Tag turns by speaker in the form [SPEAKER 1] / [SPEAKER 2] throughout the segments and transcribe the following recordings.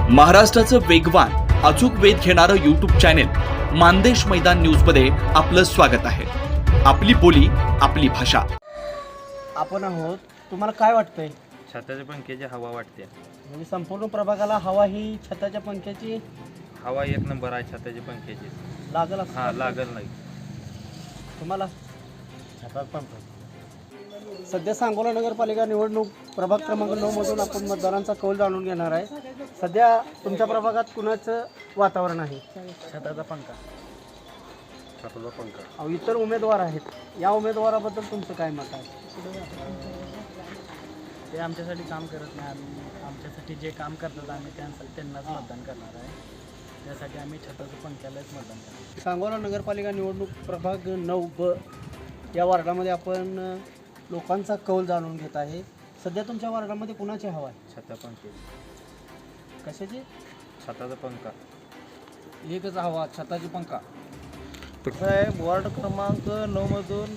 [SPEAKER 1] महाराष्ट्राचं वेगवान अचूक वेध घेणारं यूट्यूब चॅनेल मानदेश मैदान न्यूज मध्ये आपलं स्वागत आहे. आपली बोली, आपली भाषा.
[SPEAKER 2] आपण आहोत. तुम्हाला काय वाटतंय?
[SPEAKER 3] छताच्या पंख्याची हवा वाटते.
[SPEAKER 2] म्हणजे संपूर्ण प्रभागाला हवा ही छताच्या पंख्याची
[SPEAKER 3] हवा एक नंबर आहे छताच्या पंख्याची.
[SPEAKER 2] लागल असं
[SPEAKER 3] हा लागल नाही.
[SPEAKER 2] तुम्हाला सध्या सांगोला नगरपालिका निवडणूक प्रभाग क्रमांक 9 मधून आपण मतदारांचा कौल जाणून घेणार आहे. सध्या तुमच्या प्रभागात कुणाचं वातावरण आहे?
[SPEAKER 3] छताचा पंखा. छताचा पंखा.
[SPEAKER 2] अहो, इतर उमेदवार आहेत. या उमेदवाराबद्दल तुमचं काय मत आहे?
[SPEAKER 4] ते आमच्यासाठी काम करत नाही. आमच्यासाठी जे काम करतात आम्ही त्यांनाच मतदान करणार आहे. त्यासाठी आम्ही छताच्या पंख्यालाच मतदान करणार.
[SPEAKER 2] सांगोला नगरपालिका निवडणूक प्रभाग 9 या वार्डामध्ये आपण लोकांचा कौल जाणून घेत आहे. सध्या तुमच्या वार्डामध्ये कुणाची हवा आहे?
[SPEAKER 3] छता पंखे.
[SPEAKER 2] कशाची?
[SPEAKER 3] छताचा पंखा.
[SPEAKER 2] एकच हवा, छताची पंखा.
[SPEAKER 4] कसं आहे, वॉर्ड क्रमांक 9 मधून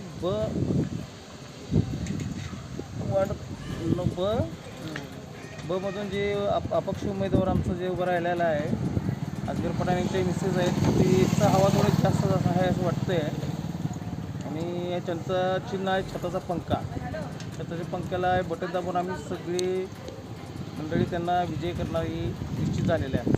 [SPEAKER 4] ब मधून जे अपक्ष उमेदवार आमचं जे उभं राहिलेलं आहे, अजगर पठाणेंचे मिसेस आहेत, तिचा हवा थोडी जास्त आहे असं वाटतंय. आणि त्यांचं चिन्ह आहे छताचा पंखा. छताच्या पंख्याला बटन दाबून आम्ही सगळी मंडळी त्यांना विजय करणारी निश्चित झालेले आहे.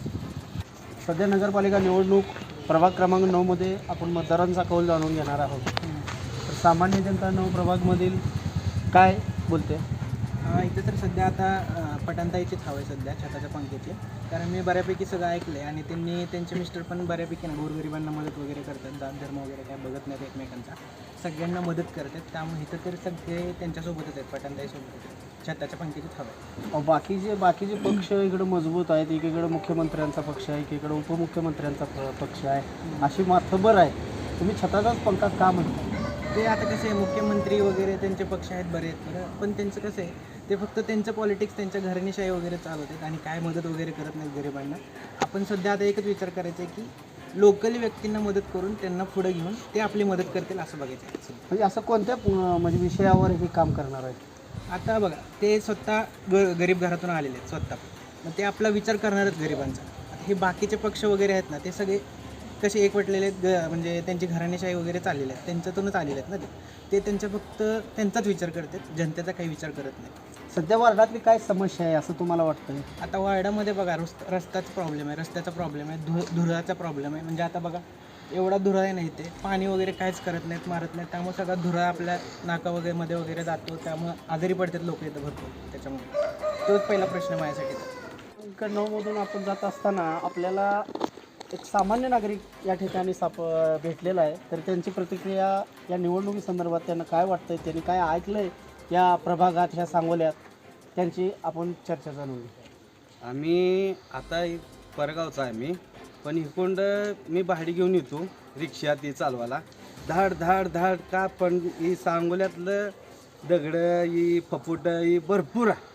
[SPEAKER 2] सध्या नगरपालिका निवडणूक प्रभाग क्रमांक 9 मध्ये आपण मतदारांचा कौल जाणून घेणार आहोत. तर सामान्य जनता 9 प्रभागमधील काय बोलते?
[SPEAKER 4] इथे तर सध्या आता पटांताईचीच हवं आहे सध्या छताच्या पंख्याची. कारण मी बऱ्यापैकी सगळं ऐकलं आहे आणि त्यांचे मिस्टर पण बऱ्यापैकी गोरगरिबांना मदत वगैरे करतात. दान धर्म वगैरे काय बघत नाहीत एकमेकांचा, सगळ्यांना मदत करतात. त्यामुळे इथं तर सगळे त्यांच्यासोबतच आहेत, पटांताईसोबत. छताच्या पंख्याचीच हवं आहे.
[SPEAKER 2] बाकीचे पक्ष इकडे मजबूत आहेत. एकीकडे मुख्यमंत्र्यांचा पक्ष आहे, एकीकडे उपमुख्यमंत्र्यांचा पक्ष आहे, अशी माथबर आहे. तुम्ही छताचाच पंखा का म्हणता?
[SPEAKER 4] ते आता कसं आहे, मुख्यमंत्री वगैरे त्यांचे पक्ष आहेत बरे आहेत बरं, पण त्यांचं कसं आहे, ते फक्त त्यांचं पॉलिटिक्स, त्यांच्या घराणेशाही वगैरे चालवतात आणि काय मदत वगैरे करत नाहीत गरिबांना. आपण सध्या आता एकच विचार करायचा आहे की लोकल व्यक्तींना मदत करून त्यांना पुढे घेऊन ते आपली मदत करतील असं बघायचं आहे.
[SPEAKER 2] म्हणजे असं कोणत्या म्हणजे विषयावर हे काम करणार आहेत?
[SPEAKER 4] आता बघा, ते स्वतः गरीब घरातून आलेले आहेत स्वतः, मग ते आपला विचार करणारच गरिबांचा. आता हे बाकीचे पक्ष वगैरे आहेत ना, ते सगळे कसे एकवटलेले आहेत, म्हणजे त्यांची घराणेशाही वगैरे चाललेले आहेत, त्यांच्यातूनच आलेले आहेत ना. ते त्यांचा फक्त त्यांचाच विचार करतात, जनतेचा काही विचार करत नाही.
[SPEAKER 2] सध्या वार्डातली काय समस्या आहे असं तुम्हाला वाटतं?
[SPEAKER 4] आता वार्डामध्ये बघा, रस्त्याचा प्रॉब्लेम आहे, रस्त्याचा प्रॉब्लेम आहे, धुराचा प्रॉब्लेम आहे. म्हणजे आता बघा, एवढा धुरा आहे नाही, ते पाणी वगैरे काहीच करत नाहीत, मारत नाहीत. त्यामुळे सगळा धुरा आपल्या नाका वगैरे मध्ये वगैरे जातो. त्यामुळे आजारी पडतात लोक इथं भरपूर. त्याच्यामुळे तोच पहिला प्रश्न माझ्यासाठी.
[SPEAKER 2] 9 मधून आपण जात असताना आपल्याला एक सामान्य नागरिक या ठिकाणी भेटलेला आहे. तर त्यांची प्रतिक्रिया या निवडणुकीसंदर्भात त्यांना काय वाटतंय, त्यांनी काय ऐकलं आहे या प्रभागात, ह्या सांगोल्यात, त्यांची आपण चर्चा जाणून घेऊ.
[SPEAKER 5] आम्ही आता परगावचा आहे मी, पण इकोंड मी भाडी घेऊन येतो रिक्षा ती चालवायला. धाड धाड धाड का, पण ही सांगोल्यातलं दगडं ही फपुट ही भरपूर आहे,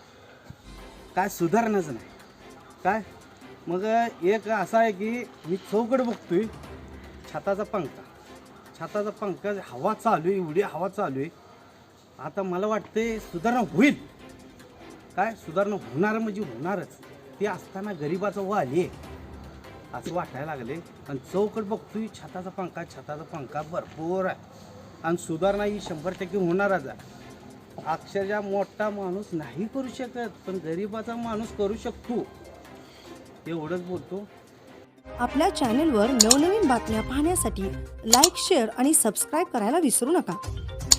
[SPEAKER 5] काय सुधारणंच नाही काय. मग एक असं आहे की मी चौकड बघतोय, छताचा पंखा हवा चालू आहे, एवढी हवा चालू आहे. आता मला वाटते सुधारणा होईल काय, सुधारणा होणार म्हणजे होणारच. ते असताना गरिबाचं वाली आहे असं वाटायला लागले. आणि चौकड बघतोय, छताचा पंखा भरपूर आहे आणि सुधारणा ही 100% होणारच आहे. अक्षरशः मोठा माणूस नाही करू शकत, पण गरिबाचा माणूस करू शकतो, एवढंच बोलतो.
[SPEAKER 6] आपल्या चॅनेलवर नवनवीन बातम्या पाहण्यासाठी लाईक, शेअर आणि सबस्क्राईब करायला विसरू नका.